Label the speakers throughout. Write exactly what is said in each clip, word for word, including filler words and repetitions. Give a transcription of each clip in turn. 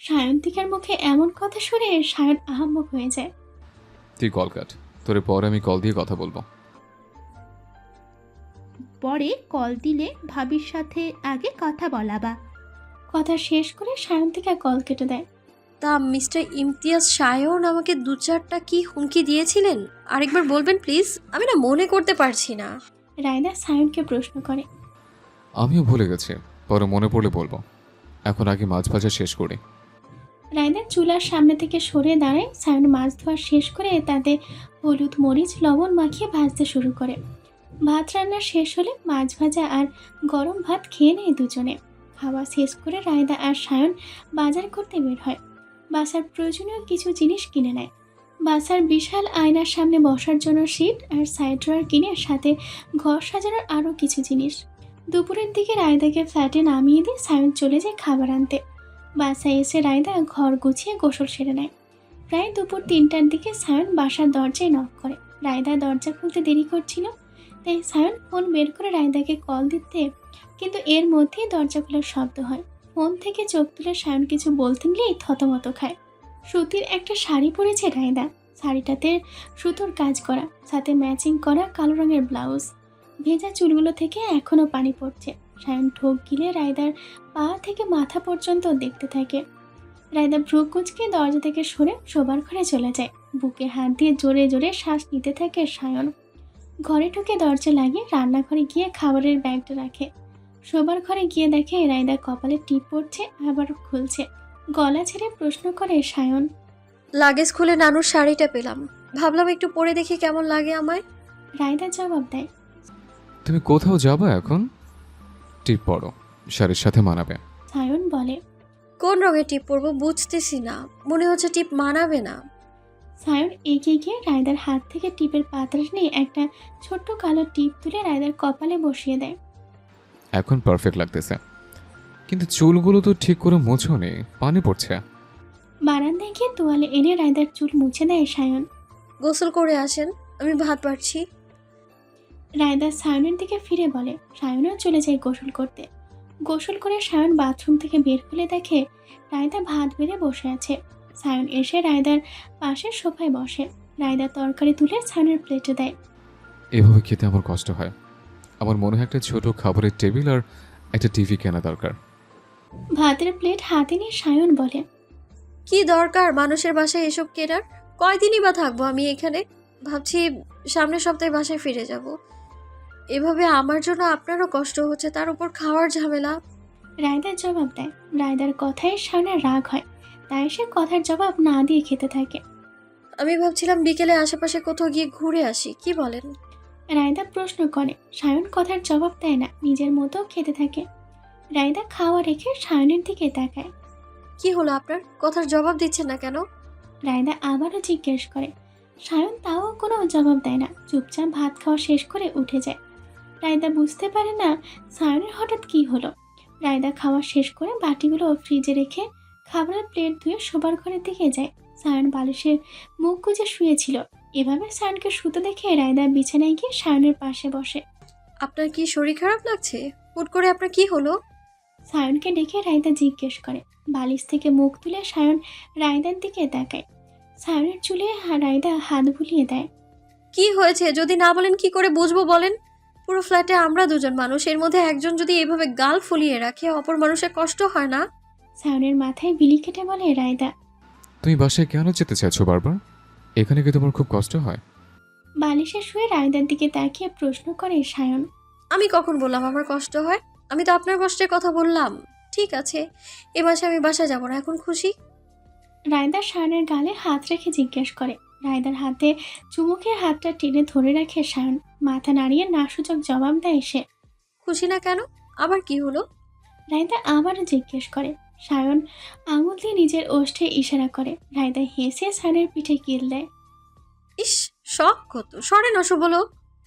Speaker 1: সায়ন্তিকার মুখে এমন কথা শুনে সায়ন আহাম্মক হয়ে যায়।
Speaker 2: তুই কল কাট, তোরে পরে আমি কল দিয়ে কথা বলবো।
Speaker 3: পরে কল দিলে ভাবির সাথে আগে কথা বলাবা।
Speaker 1: কথা শেষ করে সায়ন্তিকা কল কেটে দেয়।
Speaker 4: তা মিস্টার ইমতিয়াজ সায়ন আমাকে দু চারটা কি হুমকি দিয়েছিলেন? আরেকবার বলবেন প্লিজ, আমি না মনে করতে পারছি না।
Speaker 1: রায়দা সায়নকে প্রশ্ন করে।
Speaker 2: আমিও ভুলে গেছি, পরে মনে পড়লে বলবো। এখন আগে মাছ ভাজা শেষ করি।
Speaker 1: রায়দা চুলার সামনে থেকে সরে দাঁড়ায়। সায়ন মাছ ধোয়া শেষ করে তাতে হলুদ মরিচ লবণ মাখিয়ে ভাজতে শুরু করে। ভাত রান্না শেষ হলে মাছ ভাজা আর গরম ভাত খেয়ে নেয় দুজনে। খাওয়া শেষ করে রায়দা আর সায়ন বাজার করতে বের হয়। বাসার প্রয়োজনীয় কিছু জিনিস কিনে নেয়। বাসার বিশাল আয়নার সামনে বসার জন্য সিট আর সাইড ড্রয়ার কিনে সাথে ঘর সাজানোর আরও কিছু জিনিস। দুপুরের দিকে রায়দাকে ফ্ল্যাটে নামিয়ে দিয়ে সায়ন চলে যায় খাবার আনতে। বাসায় এসে রায়দা ঘর গুছিয়ে গোসল সেরে নেয়। প্রায় দুপুর তিনটার দিকে সায়ন বাসার দরজায় নক করে। রায়দা দরজা খুলতে দেরি করছিল, তাই সায়ন ফোন বের করে রায়দাকে কল দিতে, কিন্তু এর মধ্যেই দরজা খোলার শব্দ হয়। ফোন থেকে চোখ তুলে সায়ন কিছু বলতে নিলেই থতমত খায়। সুতির একটা শাড়ি পরেছে রায়দা। শাড়িটাতে সুতোর কাজ করা, সাথে ম্যাচিং করা কালো রঙের ব্লাউজ। ভেজা চুলগুলো থেকে এখনও পানি পড়ছে। সায়ন ঠোক গিলে রায়দার পা থেকে মাথা পর্যন্ত দেখতে থাকে। রায়দা ভ্রু কুঁচকে দরজা থেকে সরে শোবার ঘরে চলে যায়। বুকে হাত দিয়ে জোরে জোরে শ্বাস নিতে থাকে সায়ন। ঘরে ঢুকে দরজা লাগিয়ে রান্নাঘরে গিয়ে খাবারের ব্যাগটা রাখে। শোবার ঘরে গিয়ে দেখে রায়দা কপালে টিপ পড়ছে, আবার খুলছে। গলা ছেড়ে প্রশ্ন করে সায়ন।
Speaker 4: লাগেজ খুলে নানুর শাড়িটা পেলাম, ভাবলাম একটু পরে দেখি কেমন লাগে আমায়।
Speaker 1: রায়দা জবাব দেয়।
Speaker 2: তুমি কোথাও যাবা এখন? টিপ পরো, শাড়ির সাথে মানাবে।
Speaker 1: সায়ন বলে।
Speaker 4: কোন রঙের টিপ পরবো বুঝতেছি না, মনে হচ্ছে টিপ মানাবে না।
Speaker 1: সায়ন এগিয়ে গিয়ে রায়দার হাত থেকে টিপের পাত্র নিয়ে একটা ছোট্ট কালো টিপ তুলে রায়দার কপালে বসিয়ে দেয়।
Speaker 2: এখন পারফেক্ট লাগতেছে, কিন্তু চুলগুলো তো ঠিক করে মোছো নেই, পানি পড়ছে।
Speaker 1: বারান্দায় গিয়ে তোয়ালে এনে রায়দার চুল মুছে দেয় সায়ন।
Speaker 4: গোসল করে আসেন, আমি ভাত বাড়ছি।
Speaker 1: রায়দা সায়নের দিকে ফিরে বলে। সায়নও চলে যায় গোসল করতে। গোসল করে সায়ন বাথরুম থেকে বের হলে দেখে রায়দা ভাত বেড়ে বসে আছে। সায়ন এসে রায়দার পাশে সোফায় বসে। রায়দা তরকারি তুলে সায়নের প্লেটে দেয়।
Speaker 2: এভাবে খেতে আমার কষ্ট হয়। আমার মনে হয় একটা ছোট খাবারের টেবিল আর একটা টিভি কেনা দরকার।
Speaker 1: ভাতের প্লেট হাতে নিয়ে সায়ন বলে।
Speaker 4: কি দরকার মানুষের বাসায় এসব কেনার? কয়দিনই বা থাকবো আমি এখানে? ভাবছি সামনের সপ্তাহে বাসায় ফিরে যাব। এভাবে আমার জন্য আপনারও কষ্ট হচ্ছে, তার উপর খাওয়ার ঝামেলা।
Speaker 1: রায়দার জবাব দেয়। রায়দার কথায় সায়নের রাগ হয়, তাই সে কথার জবাব না দিয়ে খেতে থাকে।
Speaker 4: আমি ভাবছিলাম বিকেলে আশেপাশে কোথাও গিয়ে ঘুরে আসি, কি বলেন?
Speaker 1: রায়দা প্রশ্ন করে। সায়ন কথার জবাব দেয় না, নিজের মতো খেতে থাকে। রায়দা খাওয়া রেখে সায়নের দিকে তাকায়।
Speaker 4: কি হলো আপনার? কথার জবাব দিচ্ছেন না কেন?
Speaker 1: রায়দা আবারও জিজ্ঞেস করে। সায়ন তাও কোনো জবাব দেয় না, চুপচাপ ভাত খাওয়া শেষ করে উঠে যায়। রায়দা বুঝতে পারে না সায়নের হঠাৎ কি হলো। রায়দা খাওয়া শেষ করে বাটিগুলো ফ্রিজে রেখে খাবারের প্লেট ধুয়ে শোবার ঘরের দিকে যায়। সায়ন বালিশের মুখ গুজে শুয়েছিল। এভাবে সায়নকে শুতে দেখে রায়দা বিছানায় গিয়ে সায়নের পাশে বসে।
Speaker 4: আপনার কি শরীর খারাপ লাগছে? হুট করে আপনার কি হলো?
Speaker 1: সায়নকে ডেকে রায়দা জিজ্ঞেস করে। বালিশ থেকে মুখ তুলে সায়ন রায়দার দিকে তাকায়। সায়নের চুলে হা- রায়দা হাত বুলিয়ে দেয়।
Speaker 4: কি হয়েছে যদি না বলেন কি করে বুঝবো বলেন? পুরো ফ্ল্যাটে আমরা দুজন মানুষ, এর মধ্যে একজন যদি এভাবে গাল ফুলিয়ে রাখে, অপর মানুষের কষ্ট হয় না?
Speaker 1: সায়নের মাথায় বিলি কেটে বলে রায়দা।
Speaker 2: তুমি বাসায় কেন যেতে চাইছো বারবার? এখানে কি তোমার খুব কষ্ট হয়?
Speaker 1: বালিশে শুয়ে রায়দার দিকে তাকিয়ে প্রশ্ন করে সায়ন।
Speaker 4: আমি কখন বললাম আমার কষ্ট হয়? আমি তো আপনার কষ্টের কথা বললাম। ঠিক আছে, এ মাসে আমি বাসায় যাবো না, এখন খুশি?
Speaker 1: রায়দা সায়নের গালে হাত রেখে জিজ্ঞেস করে। রায়দার হাতে চুমুকে হাতটা টেনে ধরে রাখে সায়ন। মাথা নাড়িয়ে নাসূচক জবাব দেয় সে।
Speaker 4: খুশি না কেন? আবার কি হলো?
Speaker 1: রায়দা আবারও জিজ্ঞেস করে। সায়ন আঙুল দিয়ে নিজের ওষ্ঠে ইশারা করে। রায়দা হেসে সায়নের পিঠে কিল দেয়।
Speaker 4: ইস, শখ কত! সরে নশো বলো।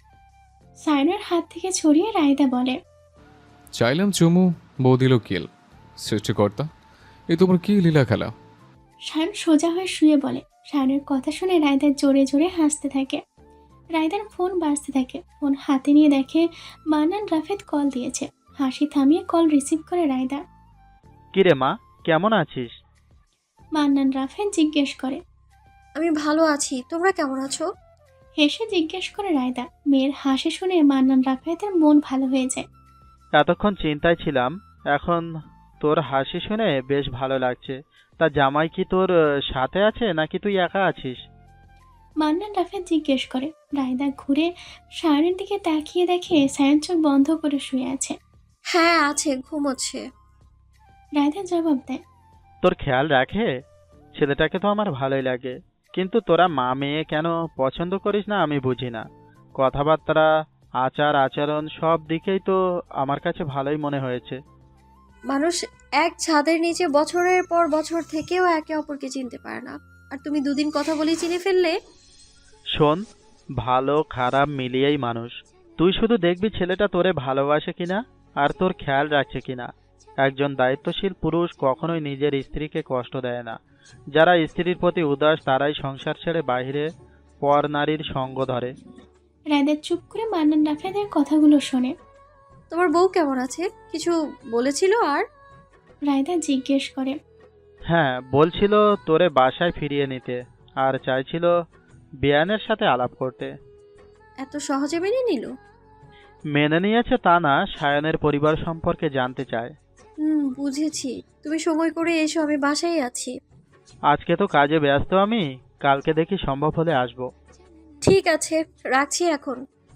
Speaker 1: সায়নের হাত থেকে ছড়িয়ে রায়দা বলে।
Speaker 2: চাইলাম চুমু, বউ দিল কিল। সৃষ্টিকর্তা, এ তোমার কি লীলা খেলা?
Speaker 1: সায়ন সোজা হয়ে শুয়ে বলে। সায়নের কথা শুনে রায়দা জোরে জোরে হাসতে থাকে। রায়দার ফোন বাজতে থাকে। ফোন হাতে নিয়ে দেখে মান্নান রাফেদ কল দিয়েছে। হাসি থামিয়ে কল রিসিভ করে রায়দা।
Speaker 5: কিরে মা, কেমন আছিস?
Speaker 1: মান্নান রাফেদ জিজ্ঞেস করে।
Speaker 4: আমি ভালো আছি, তোমরা কেমন আছো?
Speaker 1: হেসে জিজ্ঞেস করে রায়দা। মেয়ের হাসি শুনে মান্নান রাফেদের মন ভালো হয়ে যায়।
Speaker 5: এতক্ষণ চিন্তায় ছিলাম, এখন তোর হাসি শুনে বেশ ভালো লাগছে। তা জামাই কি তোর আহ, সাথে আছে নাকি তুই একা আছিস?
Speaker 1: মান্নান রাফেদ জিজ্ঞেস করে। রায়দা ঘুরে সায়নের দিকে তাকিয়ে দেখে সায়ন চোখ বন্ধ করে শুয়ে আছে।
Speaker 4: হ্যাঁ আছে, ঘুমোচ্ছে।
Speaker 1: রায়দা জবাব দেয়।
Speaker 5: তোর খেয়াল রাখে? ছেলেটাকে তো আমার ভালোই লাগে, কিন্তু তোরা মা মেয়ে কেন পছন্দ করিস না আমি বুঝি না। কথাবার্তা, আচার আচরণ সব দিকেই তো আমার কাছে ভালোই মনে হয়েছে।
Speaker 4: মানুষ এক ছাদের নিচে বছরের পর বছর থেকেও একে অপরকে চিনতে পারে না, আর তুমি দুদিন কথা বলেই চিনে ফেললে।
Speaker 5: শোন, ভালো খারাপ মিলিয়েই মানুষ। তুই শুধু দেখবি ছেলেটা তোরে ভালোবাসে কিনা আর তোর খেয়াল রাখছে কিনা। একজন দায়িত্বশীল পুরুষ কখনোই নিজের স্ত্রীকে কষ্ট দেয় না। যারা স্ত্রীর প্রতি উদাস তারাই সংসার ছেড়ে বাইরে পর নারীর সঙ্গ ধরে।
Speaker 1: রায়দা চুপ করে মান্নান রাফেদের কথাগুলো শোনে।
Speaker 4: তোমার বউ কেমন আছে? কিছু বলেছিল? আর
Speaker 1: রায়দা জিজ্ঞেস করে।
Speaker 5: হ্যাঁ, বলছিল তোরে বাসায় ফিরিয়ে নিতে, আর চাইছিল বিয়ানের সাথে আলাপ করতে।
Speaker 4: এত সহজে মেনে নিল?
Speaker 5: মেনে নিয়েছে তা না, সায়নের পরিবার সম্পর্কে জানতে চায়।
Speaker 4: হুম, বুঝেছি। তুমি সময় করে এসো, আমি বাসায় আছি।
Speaker 5: আজকে তো কাজে ব্যস্ত আমি, কালকে দেখি সম্ভব হলে আসবো।
Speaker 4: ঠিক আছে, রাখছি এখন।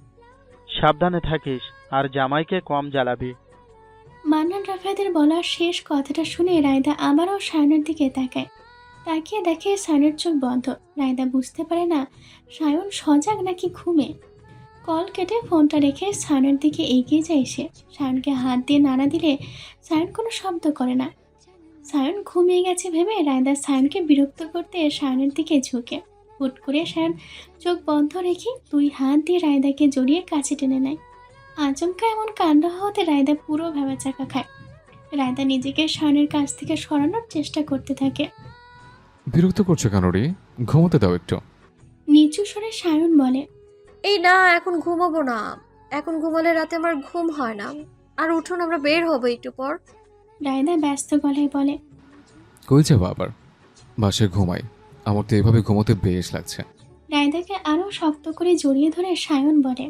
Speaker 5: সাবধানে থাকিস, আর জামাইকে কম জ্বালাবি।
Speaker 1: মান্নান রাফেদের বলা শেষ কথাটা শুনে রায়দা আবারও সায়নের দিকে তাকায়। তাকিয়ে দেখে সায়নের চোখ বন্ধ। রায়দা বুঝতে পারে না সায়ন সজাগ নাকি ঘুমে। কল কেটে ফোনটা রেখে সায়নের দিকে এগিয়ে যায় সে। সায়নকে হাত দিয়ে নাড়া দিলে সায়ন কোনো শব্দ করে না। সায়ন ঘুমিয়ে গেছে ভেবে রায়দা সায়নকে বিরক্ত করতে সায়নের দিকে ঝুঁকে। হুট করে সায়ন চোখ বন্ধ রেখে দুই হাত দিয়ে রায়দাকে জড়িয়ে কাছে টেনে নেয়। আচমকা এমন কাণ্ড হওয়াতে রায়দা পুরো ভেবাচাকা খায়। রায়দা নিজেকে সায়নের কাছ থেকে সরানোর চেষ্টা করতে থাকে।
Speaker 2: বিরক্ত করছো কেন রে? ঘুমোতে দাও একটু।
Speaker 1: নিচু স্বরে সায়ন বলে।
Speaker 4: এই না, এখন ঘুমাবো না। এখন ঘুমালে রাতে আমার ঘুম হয় না। আর উঠুন, আমরা বের হবো একটু পর।
Speaker 1: রায়দা ব্যস্ত গলায় বলে।
Speaker 2: কই যাবো আবার? বাসায় ঘুমাই, আমার তো এভাবে ঘুমোতে বেশ লাগছে।
Speaker 1: রায়দাকে আরো শক্ত করে জড়িয়ে ধরে সায়ন বলে।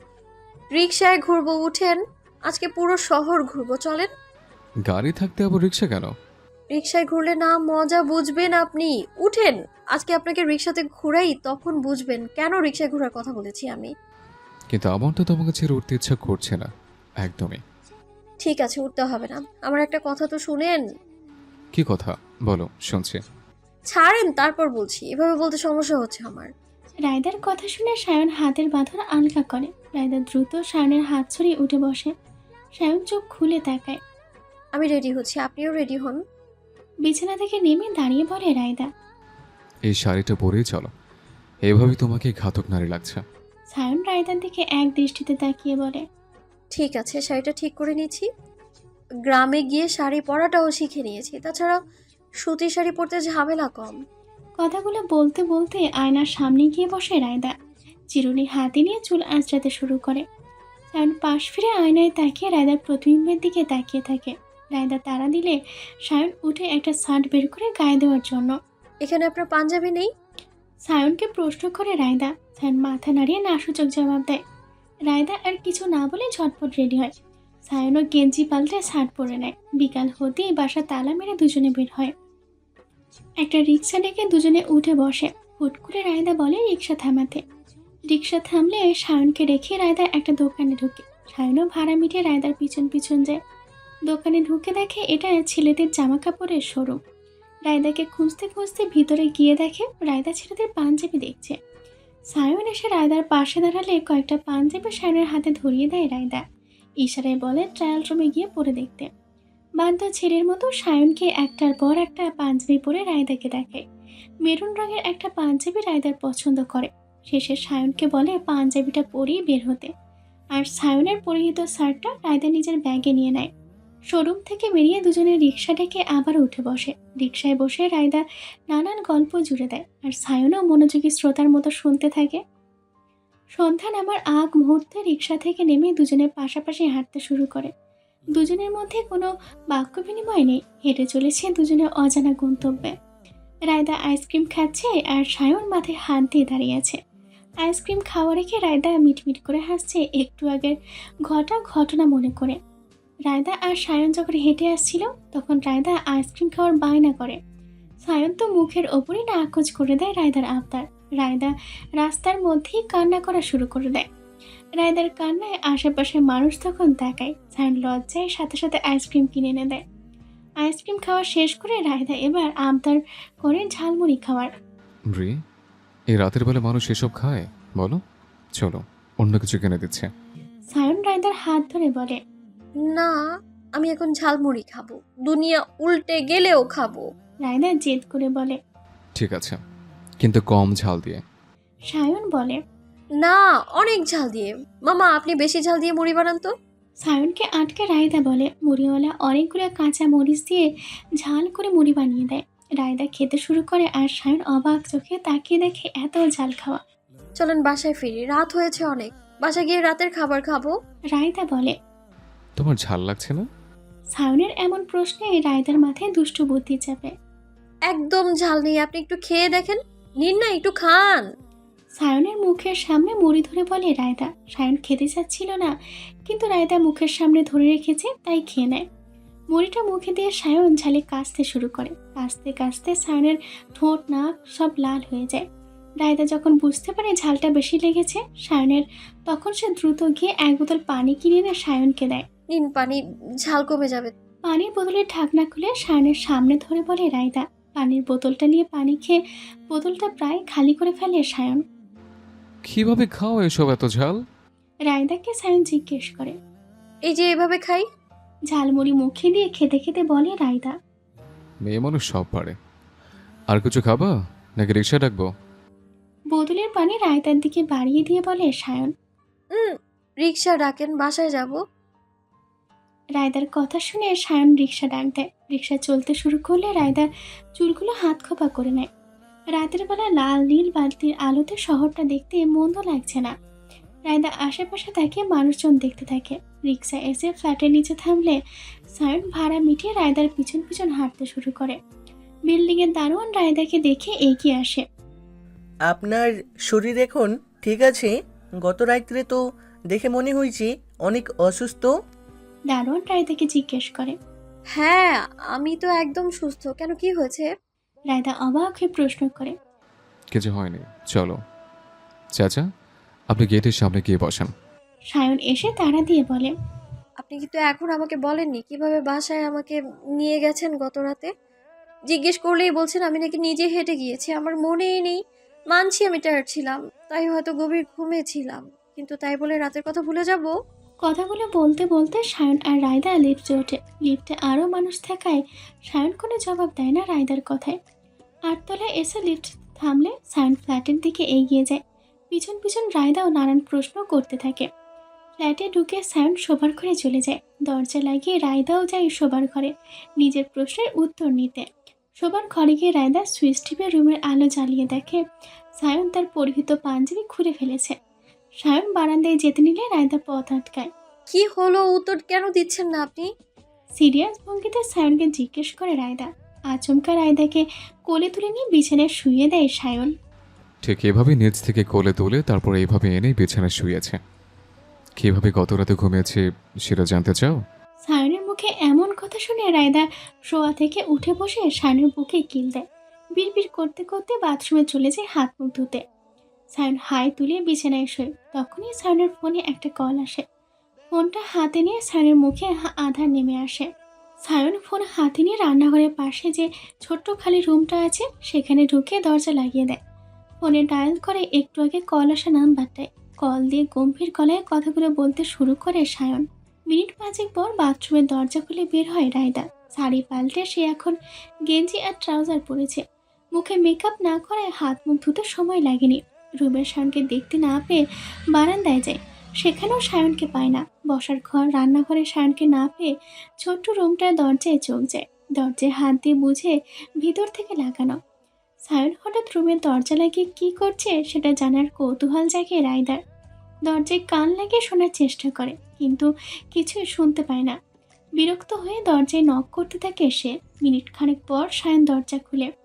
Speaker 4: রিক্সায় ঘুরবো, উঠেন। আজকে পুরো শহর ঘুরবো, চলেন।
Speaker 2: গাড়ি থাকতে আবার রিক্সা কেন?
Speaker 4: রিক্সায় ঘুরলে না মজা বুঝবেন আপনি। উঠেন, আজকে আপনাকে রিক্সাতে ঘুরাই, তখন বুঝবেন কেন রিক্সায় ঘোরার কথা বলেছি আমি।
Speaker 2: কিন্তু আমার তো তোমাকে ছেড়ে উঠতে ইচ্ছা করছে না একদমই।
Speaker 4: ঠিক আছে, উঠতে হবে না। আমার একটা কথা তো শুনেন।
Speaker 2: কি কথা বলো, শুনছি।
Speaker 4: ছাড়েন, তারপর বলছি। এভাবে বলতে সমস্যা হচ্ছে আমার।
Speaker 1: রায়দার কথা শুনে সায়ন হাতের বাঁধন আলগা করে। রায়দা দ্রুত সায়নের হাত ছড়িয়ে উঠে বসে। সায়ন চোখ খুলে তাকায়।
Speaker 4: আমি রেডি হচ্ছি, আপনিও রেডি হন।
Speaker 1: বিছানা থেকে নেমে দাঁড়িয়ে বলে রায়দা।
Speaker 2: এই শাড়িটা পরেই চলো, এভাবেই তোমাকে ঘাতক নারী লাগছে।
Speaker 1: সায়ন রায়দার দিকে এক দৃষ্টিতে তাকিয়ে বলে।
Speaker 4: ঠিক আছে, শাড়িটা ঠিক করে নিচ্ছি। গ্রামে গিয়ে শাড়ি পরাটাও শিখে নিয়েছি। তাছাড়া সুতি শাড়ি পরতে ঝামেলা কম।
Speaker 1: কথাগুলো বলতে বলতে আয়নার সামনে গিয়ে বসে রায়দা। চিরুনি হাতে নিয়ে চুল আঁচড়াতে শুরু করে। সায়ন পাশ ফিরে আয়নায় তাকিয়ে রায়দার প্রতিবিম্বের দিকে তাকিয়ে থাকে। রায়দা তাড়া দিলে সায়ন উঠে একটা শার্ট বের করে গায়ে দেওয়ার জন্য।
Speaker 4: এখানে আপনার পাঞ্জাবি নেই?
Speaker 1: সায়নকে প্রশ্ন করে রায়দা। সায়ন মাথা নাড়িয়ে নাসূচক জবাব দেয়। রায়দা আর কিছু না বলে ঝটপট রেডি হয়। সায়নও গেঞ্জি পাল্টে শার্ট পরে নেয়। বিকাল হতেই বাসা তালা মেরে দুজনে বের হয়। একটা রিক্সা ডেকে দুজনে উঠে বসে। হুট করে রায়দা বলে রিক্সা থামাতে। রিক্সা থামলে সায়নকে রেখে রায়দা একটা দোকানে ঢুকে। সায়নও ভাড়া মিটিয়ে রায়দার পিছন পিছন যায়। দোকানে ঢুকে দেখে এটা ছেলেদের জামা কাপড়ের শোরুম। রায়দাকে খুঁজতে খুঁজতে ভিতরে গিয়ে দেখে রায়দা ছেলেদের পাঞ্জাবি দেখছে। সায়ন এসে রায়দার পাশে দাঁড়ালে কয়েকটা পাঞ্জাবি সায়নের হাতে ধরিয়ে দেয় রায়দা। ইশারায় বলে ট্রায়াল রুমে গিয়ে পরে দেখতে। বাধ্য ছেলের মতো সায়নকে একটার পর একটা পাঞ্জাবি পরে রায়দাকে দেখায়। মেরুন রঙের একটা পাঞ্জাবি রায়দার পছন্দ করে। শেষে সায়নকে বলে পাঞ্জাবিটা পরিয়ে বের হতে। আর সায়নের পরিহিত শার্টটা রায়দা নিজের ব্যাগে নিয়ে নেয়। শোরুম থেকে বেরিয়ে দুজনে রিক্সা ডেকে আবার উঠে বসে। রিক্সায় বসে রায়দা নানান গল্প জুড়ে দেয়, আর সায়নও মনোযোগী শ্রোতার মতো শুনতে থাকে। সন্ধ্যা নামার আগ মুহূর্তে রিক্সা থেকে নেমে দুজনে পাশাপাশি হাঁটতে শুরু করে। দুজনের মধ্যে কোনো বাক্য বিনিময় নেই। হেঁটে চলেছে দুজনে অজানা গন্তব্যে। রায়দা আইসক্রিম খাচ্ছে আর সায়ন মাথায় হাত দিয়ে দাঁড়িয়ে আছে। আইসক্রিম খাওয়া রেখে রায়দা মিটমিট করে হাসছে একটু আগের ঘটা ঘটনা মনে করে। রায়দা আর সায়ন যখন হেঁটে আসছিল তখন রায়দা আইসক্রিম খাওয়ার বায়না করে। সায়ন তো মুখের ওপরই নাকচ করে দেয় রায়দার আবদার। রায়দা রাস্তার মধ্যেই কান্না করা শুরু করে দেয়। রায়দার কান্নায় আশেপাশের মানুষ তখন তাকায়। সায়ন লজ্জায় সাথে সাথে আইসক্রিম কিনে এনে দেয়। আইসক্রিম খাওয়া শেষ করে রায়দা এবার আবদার করে ঝালমুড়ি খাওয়ার।
Speaker 2: রি, এই রাতের বেলা মানুষ এসব খায় বলো? চলো অন্য কিছু কিনে দিচ্ছে।
Speaker 1: সায়ন রায়দার হাত ধরে বলে,
Speaker 4: না, আমি এখন ঝালমুড়ি খাবো, দুনিয়া উল্টে গেলেও খাবো।
Speaker 1: রায়দা জেদ করে বলে।
Speaker 2: ঠিক আছে, কিন্তু কম ঝাল দিয়ে।
Speaker 1: সায়ন বলে,
Speaker 4: না, অনেক ঝাল দিয়ে। মামা, আপনি বেশি ঝাল দিয়ে মুড়ি বানান তো।
Speaker 1: সায়নকে আটকে রায়দা বলে, মুড়িওয়ালা অনেকগুলো কাঁচা মরিচ দিয়ে ঝাল করে মুড়ি বানিয়ে দেয়। রায়দা খেতে শুরু করে আর সায়ন অবাক চোখে তাকিয়ে দেখে এত ঝাল খাওয়া।
Speaker 4: চলেন বাসায় ফিরি, রাত হয়েছে অনেক, বাসায় গিয়ে রাতের খাবার খাবো।
Speaker 1: রায়দা বলে।
Speaker 2: তোমার ঝাল লাগছে না?
Speaker 1: সায়নের এমন প্রশ্নে রায়দার মাথায় দুষ্টু বুদ্ধি চাপে।
Speaker 4: একদম ঝাল নেই, আপনি একটু খেয়ে দেখেন, নিন না, একটু খান।
Speaker 1: সায়নের মুখের সামনে মুড়ি ধরে বলে রায়দা। সায়ন খেতে চাচ্ছিল না, কিন্তু রায়দা মুখের সামনে ধরে রেখেছে তাই খেয়ে নেয়। মুড়িটা মুখে দিয়ে সায়ন ঝালে কাশতে শুরু করে। কাশতে কাশতে সায়নের ঠোঁট নাক সব লাল হয়ে যায়। রায়দা যখন বুঝতে পারে ঝালটা বেশি লেগেছে সায়নের, তখন সে দ্রুত গিয়ে এক বোতল পানি কিনে এনে সায়নকে দেয়।
Speaker 4: নিন পানি, ঝাল কমে যাবে।
Speaker 1: পানির বোতলের ঢাকনা খুলে সায়নের সামনে ধরে বলে রায়দা। পানির বোতলটা নিয়ে পানি খেয়ে বোতলটা প্রায় খালি করে ফেলে সায়ন।
Speaker 2: কিভাবে খাও এসব এত ঝাল?
Speaker 1: রায়দাকে সায়ন জিজ্ঞেস করে।
Speaker 4: এই যে এভাবে খাই।
Speaker 1: ঝালমুড়ি মুখে দিয়ে খেতে খেতে বলে রায়দা।
Speaker 2: মেয়ে মানুষ সব পারে। আর কিছু খাবা নাকি রিক্সা ডাকবো?
Speaker 1: বোতলের পানি রায়দার দিকে বাড়িয়ে দিয়ে বলে সায়ন।
Speaker 4: হুম, রিক্সা ডাকেন, বাসায় যাব।
Speaker 1: রায়দার কথা শুনে সায়ন রিক্সা ডাক দেয়। রিক্সা চলতে শুরু করলে রায়দা চুলগুলো হাত খোপা করে নেয়। রাতের বেলা লাল নীল বালতির আলোতে শহরটা দেখতে মন্দ লাগছে না। রায়দা আশেপাশে তাকে মানুষজন দেখতে থাকে। রিক্সা এসে ফ্ল্যাটের নিচে থামলে সায়ন ভাড়া মিটিয়ে রায়দার পিছন পিছন হাঁটতে শুরু করে। বিল্ডিংয়ের দারোয়ান রায়দাকে দেখে এগিয়ে আসে।
Speaker 6: আপনার শরীর এখন ঠিক আছে? গত রাত্রে তো দেখে মনে হয়েছে অনেক অসুস্থ।
Speaker 1: দারোয়ান রায়দাকে জিজ্ঞেস করে।
Speaker 4: হ্যাঁ, আমি তো একদম সুস্থ। কেন, কি হয়েছে?
Speaker 1: রায়দা অবাক হয়ে প্রশ্ন করে।
Speaker 2: কিছু হয়নি, চলো। চাচা, আপনি গেটের সামনে গিয়ে বসান।
Speaker 1: সায়ন এসে তাড়া দিয়ে বলে।
Speaker 4: আপনি কিন্তু এখন আমাকে বলেননি কিভাবে বাসায় আমাকে নিয়ে গেছেন গত রাতে। জিজ্ঞেস করলেই বলছেন আমি নাকি নিজে হেঁটে গিয়েছি। আমার মনেই নেই। মানছি আমি টায়ার্ড ছিলাম, তাই হয়তো গভীর ঘুমে ছিলাম, কিন্তু তাই বলে রাতের কথা ভুলে যাব?
Speaker 1: কথাগুলো বলতে বলতে সায়ন আর রায়দা লিফটে ওঠে। লিফটে আরও মানুষ থাকায় সায়ন কোনো জবাব দেয় না রায়দার কথায়। আটতলায় এসে লিফট থামলে সায়ন ফ্ল্যাটের দিকে এগিয়ে যায়। পিছন পিছন রায়দাও নানান প্রশ্ন করতে থাকে। ফ্ল্যাটে ঢুকে সায়ন শোবার ঘরে চলে যায়। দরজা লাগিয়ে রায়দাও যায় শোবার ঘরে নিজের প্রশ্নের উত্তর নিতে। শোবার ঘরে গিয়ে রায়দা সুইচ টিপে রুমের আলো জ্বালিয়ে দেখে সায়ন তার পরিহিত পাঞ্জাবি খুলে ফেলেছে। সায়ন বারান্দায় যেতে নিলে রায়দা পথ আটকায়।
Speaker 4: কি হলো, উত্তর কেন দিচ্ছেন না আপনি?
Speaker 1: সিরিয়াস ভঙ্গিতে সায়নকে জিজ্ঞেস করে রায়দা। আচমকা রায়দাকে কোলে তুলে নিয়ে বিছানায় শুইয়ে দেয় সায়ন।
Speaker 2: ঠিক এভাবে নিচ থেকে কোলে তুলে তারপর এইভাবে এনে বিছানায় শুয়েছে। কিভাবে গত রাতে ঘুমিয়েছে সেটা জানতে চাও?
Speaker 1: সায়নের মুখে এমন কথা শুনে রায়দা শোয়া থেকে উঠে বসে সায়নের বুকে কিল দেয়। বিড়বিড় করতে করতে বাথরুমে চলে যায় হাত মুখ ধুতে। সায়ন হাই তুলে বিছানায় শোয়। তখনই সায়নের ফোনে একটা কল আসে। ফোনটা হাতে নিয়ে সায়নের মুখে আধার নেমে আসে। সায়ন ফোন হাতে নিয়ে রান্নাঘরের পাশে যে ছোট্ট খালি রুমটা আছে সেখানে ঢুকে দরজা লাগিয়ে দেয়। ফোনে ডায়াল করে একটু আগে কল আসা নাম্বারটায় কল দিয়ে গম্ভীর গলায় কথাগুলো বলতে শুরু করে সায়ন। মিনিট পাঁচেক পর বাথরুমের দরজা খুলে বের হয় রায়দা। শাড়ি পাল্টে সে এখন গেঞ্জি আর ট্রাউজার পরেছে। মুখে মেকআপ না করায় হাত মুখ ধুতে সময় লাগেনি। রুমের সায়নকে দেখতে না পেয়ে বারান্দায় যায়। সেখানেও সায়নকে পায় না। বসার ঘর রান্নাঘরে সায়নকে না পেয়ে ছোট্ট রুমটার দরজায় চোখ যায়। দরজায় হাত দিয়ে বুঝে ভিতর থেকে লাগানো। সায়ন হঠাৎ রুমের দরজা লাগিয়ে কী করছে সেটা জানার কৌতূহল জাগে রায়দার। দরজায় কান লাগিয়ে শোনার চেষ্টা করে, কিন্তু কিছুই শুনতে পায় না। বিরক্ত হয়ে দরজায় নক করতে থাকে সে। মিনিট খানেক পর সায়ন দরজা খুলে।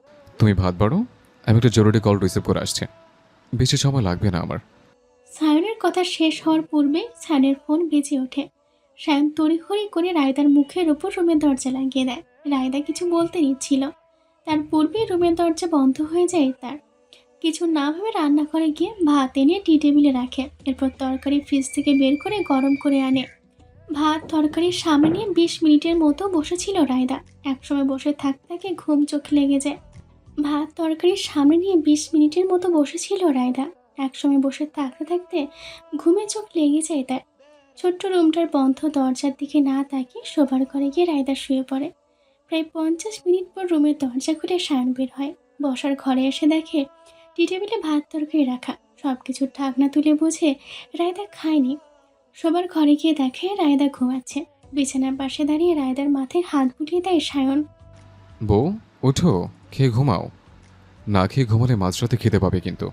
Speaker 2: তুমি ভাত বাড়ো, আমি একটা জরুরি কল রিসিভ করে আসছি। বেশি সময় লাগবে না আমার।
Speaker 1: সায়নের কথা শেষ হওয়ার পূর্বে সায়নের ফোন বেজে ওঠে। সায়ন তড়িঘড়ি করে রায়দার মুখের ওপর রুমের দরজা লাগিয়ে দেয়। রায়দা কিছু বলতে নিচ্ছিল, তার পূর্বেই রুমের দরজা বন্ধ হয়ে যায় তার। কিছু না ভেবে রান্নাঘরে গিয়ে ভাত এনে টি টেবিলে রাখে। এরপর তরকারি ফ্রিজ থেকে বের করে গরম করে আনে। ভাত তরকারির সামনে নিয়ে বিশ মিনিটের মতো বসেছিল রায়দা। একসময় বসে থাকতে থাকে ঘুম চোখ লেগে যায়। ভাত তরকারির সামনে নিয়ে বিশ মিনিটের মতো বসেছিল রায়দা। একসময় বসে থাকতে থাকতে ঘুমে চোখ লেগে যায় তার। ছোট্ট রুমটার বন্ধ দরজার দিকে না তাকিয়ে শোবার ঘরে গিয়ে রায়দা শুয়ে পড়ে। প্রায় পঞ্চাশ মিনিট পর রুমের দরজা খুলে সায়ন বের হয়। বসার ঘরে এসে দেখে টি টেবিলে ভাত তরকারি রাখা। সব কিছুর ঢাকনা তুলে বুঝে রায়দা খায়নি। শোবার ঘরে গিয়ে দেখে রায়দা ঘুমাচ্ছে। বিছানার পাশে দাঁড়িয়ে রায়দার মাথায় হাত বুলিয়ে দেয় সায়ন।
Speaker 2: বউ, ওঠো, খেয়ে ঘুমাও। না খেয়ে ঘুমালে মাঝরাতে খেতে পাবে কিন্তু।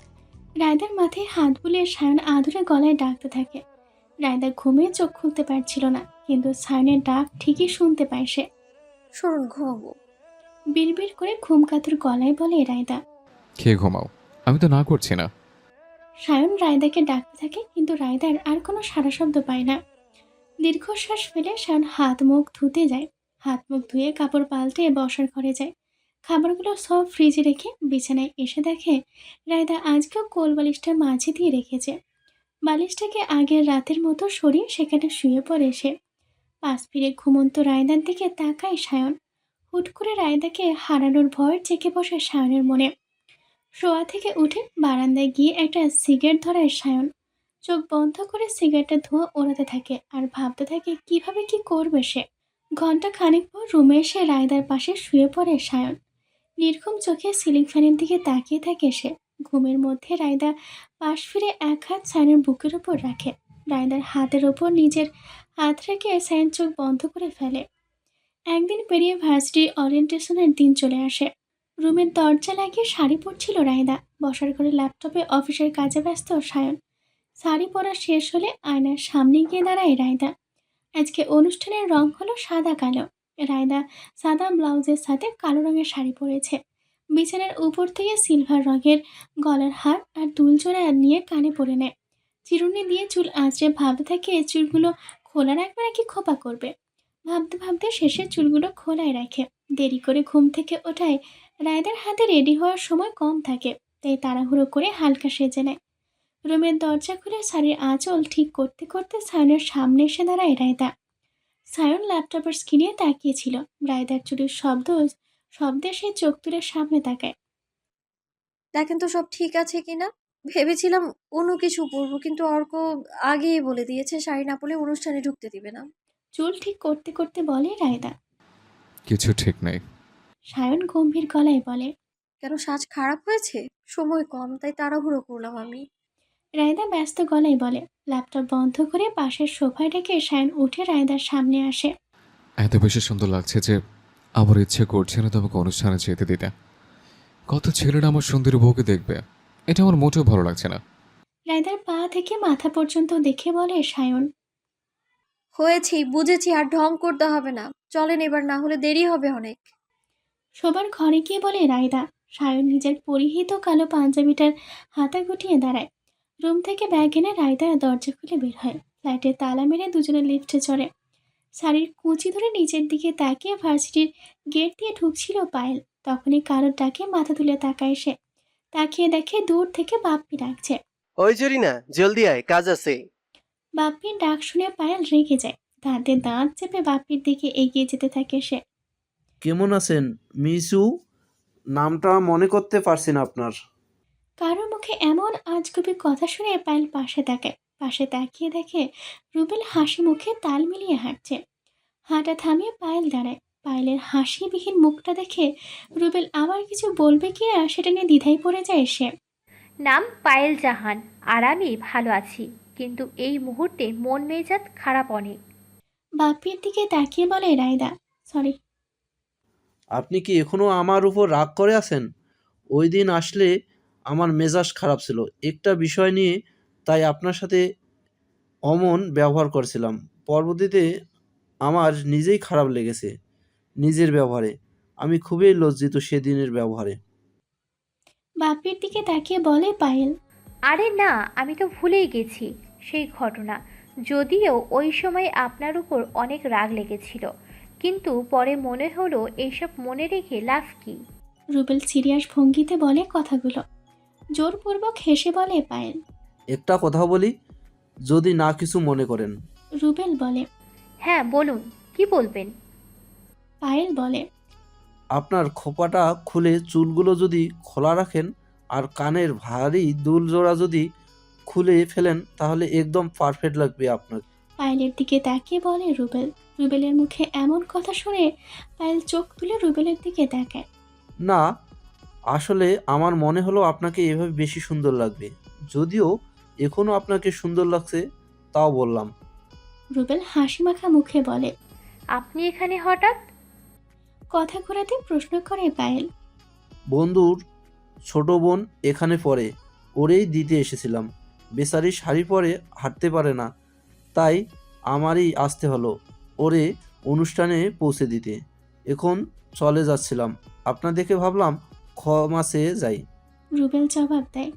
Speaker 1: রায়দার মাথায় হাত বুলিয়ে সায়ন আদুরে গলায় ডাকতে থাকে। রায়দা ঘুমিয়ে চোখ খুলতে পারছিল না, কিন্তু সায়নের ডাক ঠিকই শুনতে পায় সে।
Speaker 4: সরুন ঘুমাবো।
Speaker 1: বিড়বিড় করে ঘুমকাতুর গলায় বলে রায়দা।
Speaker 2: খেয়ে ঘুমাও, আমি তো না করছি না।
Speaker 1: সায়ন রায়দাকে ডাকতে থাকে, কিন্তু রায়দার আর কোনো সাড়া শব্দ পায় না। দীর্ঘশ্বাস ফেলে সায়ন হাত মুখ ধুতে যায়। হাত মুখ ধুয়ে কাপড় পাল্টে বসার ঘরে যায়। খাবারগুলো সব ফ্রিজে রেখে বিছানায় এসে দেখে রায়দা আজকেও কোল বালিশটা মাঝে দিয়ে রেখেছে। বালিশটাকে আগের রাতের মতো সরিয়ে সেখানে শুয়ে পড়ে সে। পাশ ফিরে ঘুমন্ত রায়দার দিকে তাকায় সায়ন। হুট করে রায়দাকে হারানোর ভয় চেকে বসে সায়নের মনে। শোয়া থেকে উঠে বারান্দায় গিয়ে একটা সিগারেট ধরায় সায়ন। চোখ বন্ধ করে সিগারেটের ধোঁয়া ওড়াতে থাকে আর ভাবতে থাকে কিভাবে কি করবে সে। ঘন্টা খানেক পর রুমে এসে রায়দার পাশে শুয়ে পড়ে সায়ন। নির্ঘুম চোখে সিলিং ফ্যানের দিকে তাকিয়ে থাকে সে। ঘুমের মধ্যে রায়দা পাশ ফিরে এক হাত সায়নের বুকের ওপর রাখে। রায়দার হাতের ওপর নিজের হাত রেখে সায়ন চোখ বন্ধ করে ফেলে। একদিন পেরিয়ে ভার্সিটির ওরিয়েন্টেশনের দিন চলে আসে। রুমের দরজা লাগিয়ে শাড়ি পরছিল রায়দা। বসার ঘরে ল্যাপটপে অফিসের কাজে ব্যস্ত সায়ন। শাড়ি পরা শেষ হলে আয়নার সামনে গিয়ে দাঁড়ায় রায়দা। আজকে অনুষ্ঠানের রং হলো সাদা কালো। রায়দা সাদা ব্লাউজের সাথে কালো রঙের শাড়ি পরেছে। বিছানার উপর থেকে সিলভার রঙের গলার হার আর দুল জোড়া নিয়ে কানে পরে নেয়। চিরুনি দিয়ে চুল আঁচড়ে ভাবতে থাকে চুলগুলো খোলা রাখবে নাকি খোপা করবে। ভাবতে ভাবতে শেষে চুলগুলো খোলায় রাখে। দেরি করে ঘুম থেকে ওঠায় রায়দার হাতে রেডি হওয়ার সময় কম থাকে, তাই তাড়াহুড়ো করে হালকা সেজে নেয়। রুমের দরজা খুলে শাড়ির আঁচল ঠিক করতে করতে সায়নের সামনে এসে দাঁড়ায় রায়দা। সায়ন ল্যাপটপের স্ক্রিনে তাকিয়েছিল। রায়দার চুরির শব্দ শব্দে সে চোখ তুলে সামনে তাকায়।
Speaker 4: দেখেন তো সব ঠিক আছে কিনা। ভেবেছিলাম অন্য কিছু পরবো, কিন্তু অর্ক আগেই বলে দিয়েছে শাড়ি না পরলে অনুষ্ঠানে ঢুকতে দিবে না।
Speaker 1: চুল ঠিক করতে করতে বলে রায়দা।
Speaker 2: কিছু ঠিক নেই।
Speaker 1: সায়ন গম্ভীর গলায় বলে।
Speaker 4: কেন, সাজ খারাপ হয়েছে? সময় কম, তাই তাড়াহুড়ো করলাম আমি।
Speaker 1: রায়দা ব্যস্ত গলায় বলে। ল্যাপটপ বন্ধ করে পাশের সোফায় রেখে সায়ন উঠে রায়দার সামনে আসে।
Speaker 2: এত বেশি সুন্দর লাগছে যে আমার ইচ্ছে করছে না তোমাকে অনুষ্ঠানে যেতে দিতে। কত ছেলেরা আমার সুন্দরী বউকে দেখবে, এটা আমার মোটেও ভালো লাগছে না।
Speaker 1: রায়দার পা থেকে মাথা পর্যন্ত দেখে বলে সায়ন।
Speaker 4: হয়েছি, বুঝেছি, আর ঢং করতে হবে না। চলেন এবার, না হলে দেরি হবে অনেক।
Speaker 1: সবার ঘরে গিয়ে বলে রায়দা। সায়ন নিজের পরিহিত কালো পাঞ্জাবিটার হাতা গুটিয়ে দাঁড়ায়। রুম থেকে ব্যাগ এনে রায়দা দরজা খুলে বের হয়। ফ্ল্যাটে তালা মেরে দুজনে লিফটে চড়ে। শাড়ির কুঁচি ধরে নিচের দিকে তাকিয়ে ভার্সিটির গেট দিয়ে ঢুকছিল পায়েল। তখনই কারোর ডাকে মাথা তুলে তাকায় সে। তাকিয়ে দেখে দূর থেকে বাপ্পি ডাকছে।
Speaker 7: ওই জরিনা, জলদি আয়, কাজ আছে।
Speaker 1: বাপ্পির ডাক শুনে পায়েল রেগে যায়। দাঁতে দাঁত চেপে বাপ্পির দিকে এগিয়ে যেতে থাকে সে।
Speaker 8: কেমন আছেন মিসু? নামটা মনে করতে পারছি না আপনার।
Speaker 1: কারোর মুখে এমন আজগুবি কথা শুনে পায়েল পাশে তাকায়। পাশে তাকিয়ে দেখে রুবেল হাসি মুখে তাল মিলিয়ে হাঁটছে। হাঁটা থামিয়ে পায়েল দাঁড়ায়। পায়েলের হাসিবিহীন মুখটা দেখে রুবেল আবার কিছু বলবে কিনা সেটা নিয়ে দ্বিধায় পড়ে যায় সে।
Speaker 9: নাম পায়েল জাহান, আর আমি ভালো আছি, কিন্তু এই মুহূর্তে মন মেজাজ খারাপ অনেক।
Speaker 1: বাপ্পির দিকে তাকিয়ে বলে রায়দা। সরি।
Speaker 8: আপনি কি এখনো আমার উপর রাগ করে আছেন? ওই দিন আসলে আমার মেজাজ খারাপ ছিল একটা বিষয় নিয়ে, তাই আপনার সাথে অমন ব্যবহার করেছিলাম। পরবর্তীতে আমার নিজেই খারাপ লেগেছে নিজের ব্যবহারে। আমি খুবই লজ্জিত সেদিনের ব্যবহারে।
Speaker 1: বাপির দিকে তাকিয়ে বলে পায়েল।
Speaker 9: আরে না, আমি তো ভুলেই গেছি সেই ঘটনা। যদিও ওই সময় আপনার উপর অনেক রাগ লেগেছিল, কিন্তু পরে মনে হলো এইসব মনে রেখে লাভ কি।
Speaker 1: রুবেল সিরিয়াস ভঙ্গিতে বলে কথাগুলো। জোরপূর্বক হেসে বলে পায়েল।
Speaker 8: একটা কথা বলি, যদি না কিছু মনে করেন।
Speaker 1: রুবেল বলে।
Speaker 9: হ্যাঁ বলুন, কি বলবেন?
Speaker 1: পায়েল বলে।
Speaker 8: আপনার খোপাটা খুলে চুলগুলো যদি খোলা রাখেন আর কানের ভারী দুল জোড়া যদি খুলে ফেলেন তাহলে একদম পারফেক্ট লাগবে আপনাকে।
Speaker 1: পায়েলের দিকে তাকিয়ে বলে রুবেল। রুবেলের মুখে এমন কথা শুনে পায়েল চোখ তুলে রুবেলের দিকে তাকায়।
Speaker 8: না, আসলে আমার মনে হলো আপনাকে এভাবে বেশি সুন্দর লাগবে। যদিও এখনও আপনাকে সুন্দর লাগছে, তাও বললাম।
Speaker 1: রুবেল হাসি মাখা মুখে বলে।
Speaker 9: আপনি এখানে হঠাৎ?
Speaker 1: কথা ঘোরাতে প্রশ্ন করে পায়েল।
Speaker 8: বন্ধুর ছোট বোন এখানে পড়ে, ওরেই দিতে এসেছিলাম। বেচারি শাড়ি পরে হাঁটতে পারে না, তাই আমারই আসতে হলো ওরে অনুষ্ঠানে পৌঁছে দিতে। এখন চলে যাচ্ছিলাম, আপনার দেখে ভাবলাম ক্ষমা চেয়ে যাই।
Speaker 1: রুবেল জবাব দেয়।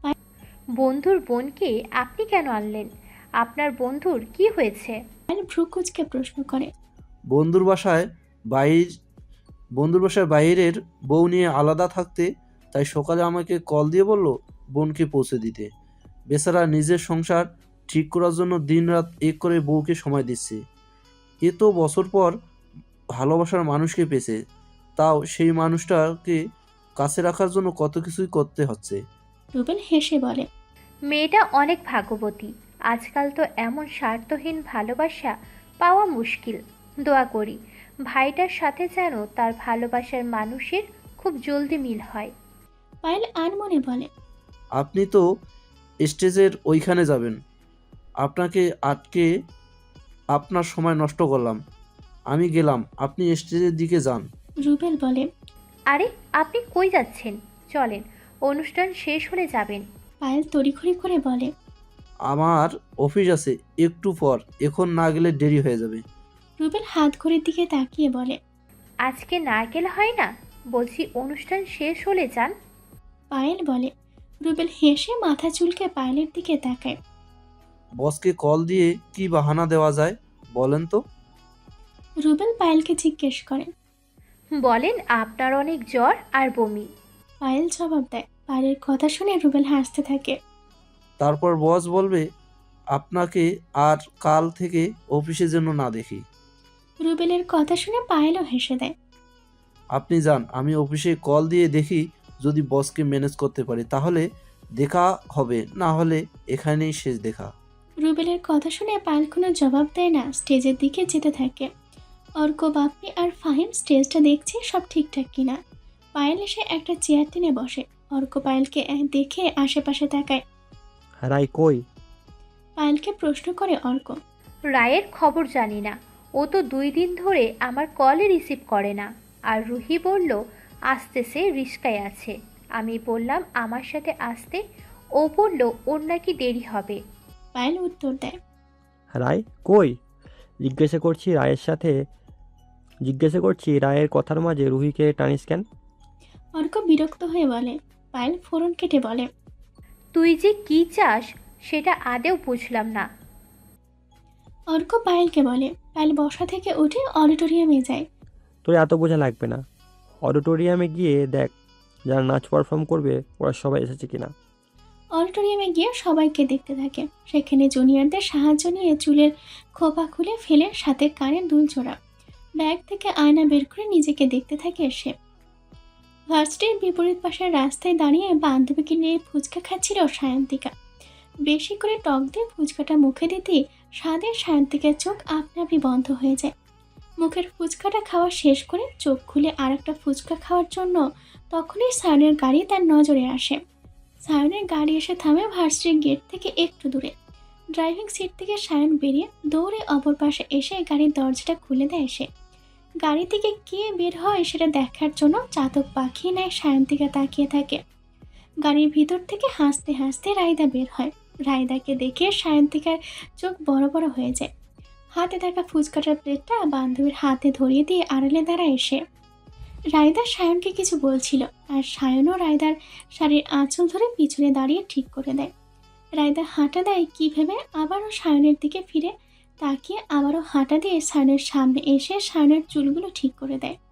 Speaker 9: বন্ধুর বোনকে আপনি কেন আনলেন? আপনার বন্ধুর কি হয়েছে?
Speaker 1: পায়েল ভ্রু কুঁচকে প্রশ্ন করে।
Speaker 8: বন্ধুর বাসায় বাইর বন্ধুর বাসায় বাইরের বউ নিয়ে আলাদা থাকতে, তাই সকালে আমাকে কল দিয়ে বলল বোনকে পৌঁছে দিতে। বেচারা নিজের সংসার ঠিক করার জন্য দিনরাত এক করে বউকে সময় দিচ্ছে। এ তো বছর পর ভালোবাসার মানুষকে পেয়েছে, তাও সেই মানুষটাকে কাছে রাখার জন্য কত কিছুই করতে হচ্ছে।
Speaker 1: রুবেল হেসে বলে।
Speaker 9: মেয়েটা অনেক ভাগ্যবতী। আজকাল তো এমন স্বার্থহীন ভালোবাসা পাওয়া মুশকিল। দোয়া করি ভাইটার সাথে যেন তার ভালোবাসার মানুষের খুব জলদি মিল হয়।
Speaker 1: পায়েল আনমনে বলে।
Speaker 8: আপনি তো স্টেজের ওইখানে যাবেন, আপনাকে আটকে আপনার সময় নষ্ট করলাম। আমি গেলাম, আপনি স্টেজের দিকে যান।
Speaker 1: রুবেল বলে।
Speaker 9: আরে আপনি কই যাচ্ছেন? চলেন, অনুষ্ঠান শেষ হলে যাবেন।
Speaker 1: পায়েল তড়িঘড়ি করে বলে।
Speaker 8: আমার অফিস আছে একটু পর, এখন না গেলে দেরি হয়ে যাবে।
Speaker 1: রুবেল হাত ঘড়ির দিকে তাকিয়ে বলে।
Speaker 9: আজকে না গেলে হয় না? বলছি অনুষ্ঠান শেষ হলে যান।
Speaker 1: পায়েল বলে। রুবেল হেসে মাথা চুলকে পায়েলের দিকে তাকায়।
Speaker 8: বসকে কল দিয়ে কি বাহানা দেওয়া যায় বলেন তো?
Speaker 1: রুবেল পায়েলকে জিজ্ঞেস করে।
Speaker 9: বলেন আপনার অনেক জ্বর আর বমি।
Speaker 1: পায়েল জবাব দেয়। পায়েলের কথা শুনে রুবেল হাসতে থাকে।
Speaker 8: তারপর বস বলবে আপনাকে আর কাল থেকে অফিসে যেন না দেখি।
Speaker 1: রুবেলের কথা শুনে পায়েলও হেসে দেয়।
Speaker 8: আপনি যান, আমি অফিসে কল দিয়ে দেখি যদি বসকে ম্যানেজ করতে পারি তাহলে দেখা হবে, না হলে এখানেই শেষ দেখা।
Speaker 1: রুবেলের কথা শুনে পায়েল কোনো জবাব দেয় না, স্টেজের দিকে যেতে থাকে। অর্ক, বাপ্পি আর ফাহিম স্টেজটা দেখছে সব ঠিকঠাক কিনা। পায়েল এসে একটা চেয়ার টেনে বসে। অর্ক পায়েলকে এক- দেখে আশেপাশে তাকায়।
Speaker 10: রাই কই?
Speaker 1: পায়েলকে প্রশ্ন করে অর্ক।
Speaker 9: রায়ের খবর জানি না, ও তো দুই দিন ধরে আমার কলই রিসিভ করে না। আর রুহি বলল আসতেছে, রিস্কায় আছে। আমি বললাম আমার সাথে আসতে, ও বলল ওর নাকি দেরি হবে।
Speaker 1: পায়েল উত্তর দেয়।
Speaker 10: রাই কই? জিজ্ঞাসা করছি রায়ের সাথে জিজ্ঞাসা করছি রায়ের কথার মাঝে রুহিকে টানিস কেন?
Speaker 1: অর্ক বিরক্ত হয়ে বলে। পায়েল ফোরন কেটে বলে।
Speaker 9: তুই যে কি চাস সেটা আদেও বুঝলাম না।
Speaker 1: অর্ক পায়েলকে বলে। পায়েল বসা থেকে উঠে অডিটোরিয়ামে যায়।
Speaker 10: তোর এত বোঝা লাগবে না, অডিটোরিয়ামে গিয়ে দেখ যারা নাচ পারফর্ম করবে ওরা সবাই এসেছে কিনা।
Speaker 1: অডিটোরিয়ামে গিয়ে সবাইকে দেখতে থাকে। সেখানে জুনিয়রদের সাহায্য নিয়ে চুলের খোপা খুলে ফেলে সাথে কানের দুল জোড়া। ব্যাগ থেকে আয়না বের করে নিজেকে দেখতে থাকে সে। ভার্সিটির বিপরীত পাশের রাস্তায় দাঁড়িয়ে বান্ধবীকে নিয়ে ফুচকা খাচ্ছিল সায়ন্তিকা। বেশি করে টক দিয়ে ফুচকাটা মুখে দিতে স্বাদের সায়ন্তিকার চোখ আপনা আপনি বন্ধ হয়ে যায়। মুখের ফুচকাটা খাওয়া শেষ করে চোখ খুলে আর একটা ফুচকা খাওয়ার জন্য তখনই সায়নের গাড়ি তার নজরে আসে। সায়নের গাড়ি এসে থামে ভার্সিটির গেট থেকে একটু দূরে। ড্রাইভিং সিট থেকে সায়ন বেরিয়ে দৌড়ে অপর পাশে এসে গাড়ির দরজাটা খুলে দেয় সে। গাড়ি থেকে কে বের হয় সেটা দেখার জন্য চাতক পাখি নেয় সায়ন্তিকা তাকিয়ে থাকে। গাড়ির ভিতর থেকে হাসতে হাসতে রায়দা বের হয়। রায়দাকে দেখে সায়ন্তিকার চোখ বড় বড় হয়ে যায়। হাতে থাকা ফুচকাটার প্লেটটা বান্ধবীর হাতে ধরিয়ে দিয়ে আড়ালে দাঁড়ায় এসে। রায়দা সায়নকে কিছু বলছিল, আর সায়নও রায়দার শাড়ির আঁচল ধরে পিছনে দাঁড়িয়ে ঠিক করে দেয়। রায়দা হাঁটা দেয় কী ভেবে আবারও সায়নের দিকে ফিরে তাকিয়ে আবারও হাঁটা দিয়ে সায়নের সামনে এসে সায়নের চুলগুলো ঠিক করে দেয়।